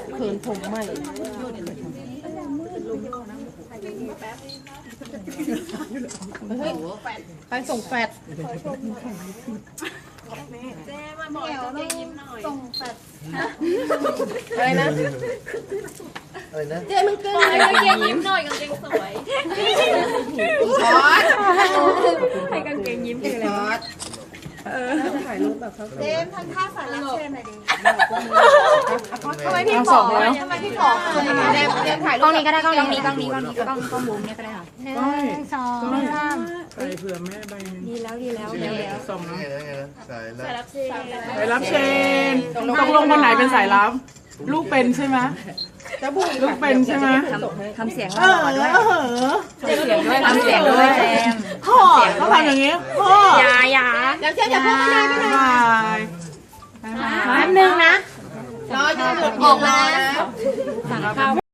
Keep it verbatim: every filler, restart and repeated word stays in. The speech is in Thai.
เขินผมใหม่เฮ้ยไปส่งแฟดเจ๊มาบอกกางเกงยิ้มหน่อยส่งแฟดอะไรนะอะไรนะเจ๊มันเกินกางเกงยิ้มหน่อยกางเกงสวยให้กางเกงยิ้มคืออะไรถ่ายรูปแบบเขาเจมทำท่าสายรับเชิญหน่อยดิทำไมพี่ขอทำไมพี่ขอเจ๊เจ๊ถ่ายรูปกล้องนี้ก็ได้กล้องนี้กล้องนี้กล้องนี้กล้องกล้องมุมเนี่ยก็ได้ค่ะหนึ่งสองสามใส่เผื่อแม่ใบหนึ่งดีแล้วดีแล้วดีแล้วส่งไงนะนะไงนะสายแล้วสายรับเชนตกลงคนไหนเป็นสายรับลูกเป็นใช่ไหมจะบุ้งลูกเป็นใช่ไหมทำเสียงเออเออทำเสียงด้วยทำเสียงด้วยแจมพ่อเขาทำอย่างนี้พ่ออย่าอย่าเดี๋ยวเจ๊อย่าพูดไม่ได้ไม่ได้บายแป๊บนึงนะรอจะหมดออกแล้วสั่งข้าว